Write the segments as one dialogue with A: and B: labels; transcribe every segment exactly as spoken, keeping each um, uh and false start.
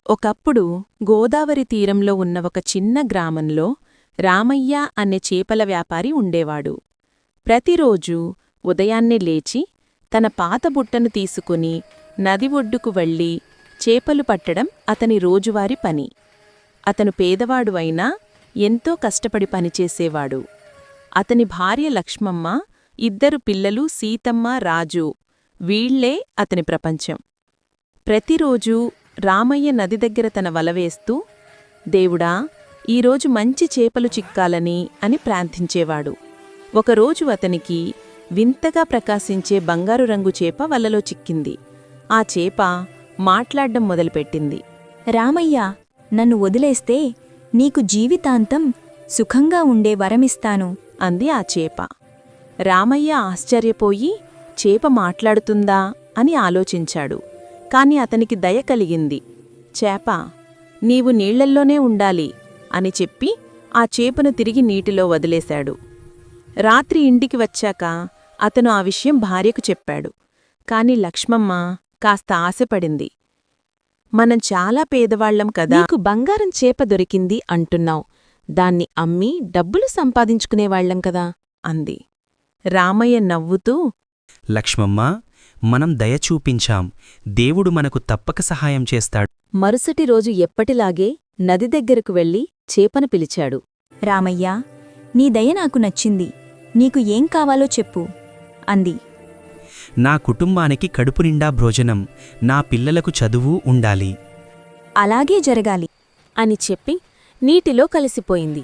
A: ఒకప్పుడు గోదావరి తీరంలో ఉన్న ఒక చిన్న గ్రామంలో రామయ్య అనే చేపల వ్యాపారి ఉండేవాడు. ప్రతిరోజూ ఉదయాన్నే లేచి తన పాత బుట్టను తీసుకుని నది ఒడ్డుకు వెళ్ళి చేపలు పట్టడం అతని రోజువారీ పని. అతను పేదవాడు అయినా ఎంతో కష్టపడి పనిచేసేవాడు. అతని భార్య లక్ష్మమ్మ, ఇద్దరు పిల్లలు సీతమ్మ, రాజు, వీళ్లే అతని ప్రపంచం. ప్రతిరోజూ రామయ్య నది దగ్గర తన వలవేస్తూ, దేవుడా, ఈరోజు మంచి చేపలు చిక్కాలని అని ప్రార్థించేవాడు. ఒకరోజు అతనికి వింతగా ప్రకాశించే బంగారు రంగు చేప వలలో చిక్కింది. ఆ చేప మాట్లాడ్డం మొదలుపెట్టింది.
B: రామయ్య, నన్ను వదిలేస్తే నీకు జీవితాంతం సుఖంగా ఉండే వరమిస్తాను
A: అంది ఆ చేప. రామయ్య ఆశ్చర్యపోయి చేప మాట్లాడుతుందా అని ఆలోచించాడు. కాని అతనికి దయ కలిగింది. చేప, నీవు నీళ్లల్లోనే ఉండాలి అని చెప్పి ఆ చేపను తిరిగి నీటిలో వదిలేశాడు. రాత్రి ఇంటికి వచ్చాక అతను ఆ విషయం భార్యకు చెప్పాడు. కాని లక్ష్మమ్మ కాస్త ఆశపడింది. మనం చాలా పేదవాళ్లం కదా,
C: నీకు బంగారం చేప దొరికింది అంటున్నావు, దాన్ని అమ్మి డబ్బులు సంపాదించుకునేవాళ్లం కదా
A: అంది. రామయ్య నవ్వుతూ,
D: లక్ష్మమ్మ, మనం దయ చూపించాం, దేవుడు మనకు తప్పక సహాయం చేస్తాడు.
C: మరుసటి రోజు ఎప్పటిలాగే నది దగ్గరకు వెళ్లి చేపను పిలిచాడు.
B: రామయ్య, నీ దయ నాకు నచ్చింది, నీకు ఏం కావాలో చెప్పు అంది.
D: నా కుటుంబానికి కడుపు నిండా భోజనం, నా పిల్లలకు చదువు ఉండాలి.
B: అలాగే జరగాలి
C: అని చెప్పి నీటిలో కలిసిపోయింది.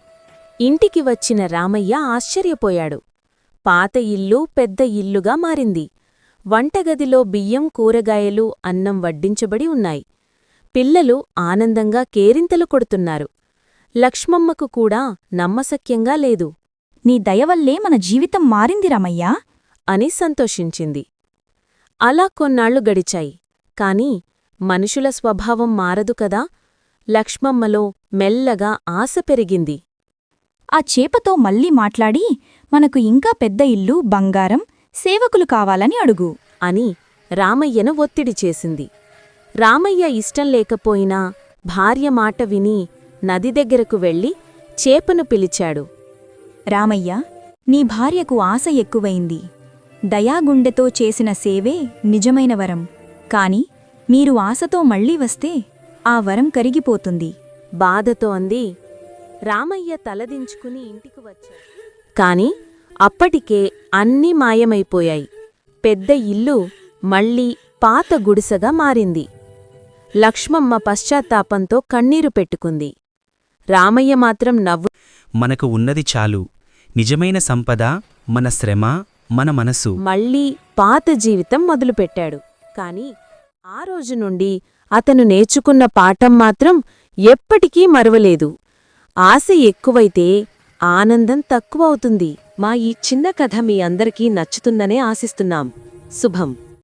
C: ఇంటికి వచ్చిన రామయ్య ఆశ్చర్యపోయాడు. పాత ఇల్లు పెద్ద ఇల్లుగా మారింది. వంటగదిలో బియ్యం, కూరగాయలు, అన్నం వడ్డించబడి ఉన్నాయి. పిల్లలు ఆనందంగా కేరింతలు కొడుతున్నారు. లక్ష్మమ్మకు కూడా నమ్మశక్యంగా లేదు.
B: నీ దయవల్లే మన జీవితం మారింది రామయ్యా
C: అని సంతోషించింది. అలా కొన్నాళ్లు గడిచాయి. కాని మనుషుల స్వభావం మారదు కదా. లక్ష్మమ్మలో మెల్లగా ఆశ పెరిగింది.
B: ఆ చేపతో మళ్ళీ మాట్లాడి మనకు ఇంకా పెద్ద ఇల్లు, బంగారం, సేవకులు కావాలని అడుగు
C: అని రామయ్యను ఒత్తిడి చేసింది. రామయ్య ఇష్టం లేకపోయినా భార్య మాట విని నది దగ్గరకు వెళ్లి చేపను పిలిచాడు.
B: రామయ్య, నీ భార్యకు ఆశ ఎక్కువైంది. దయాగుండెతో చేసిన సేవే నిజమైన వరం. కాని మీరు ఆశతో మళ్లీ వస్తే ఆ వరం కరిగిపోతుంది
C: బాధతో అంది. రామయ్య తలదించుకుని ఇంటికి వచ్చాడు. కాని అప్పటికే అన్నీ మాయమైపోయాయి. పెద్ద ఇల్లు మళ్లీ పాత గుడిసెగా మారింది. లక్ష్మమ్మ పశ్చాత్తాపంతో కన్నీరు పెట్టుకుంది. రామయ్య మాత్రం నవ్వు,
D: మనకు ఉన్నది చాలు. నిజమైన సంపద మన శ్రమ, మన మనసు.
C: మళ్లీ పాత జీవితం మొదలుపెట్టాడు. కాని ఆ రోజు నుండి అతను నేర్చుకున్న పాఠం మాత్రం ఎప్పటికీ మరువలేదు. ఆశ ఎక్కువైతే ఆనందం తక్కువవుతుంది.
A: మా ఈ చిన్న కథ మీ అందరికీ నచ్చుతుందనే ఆశిస్తున్నాం. శుభం.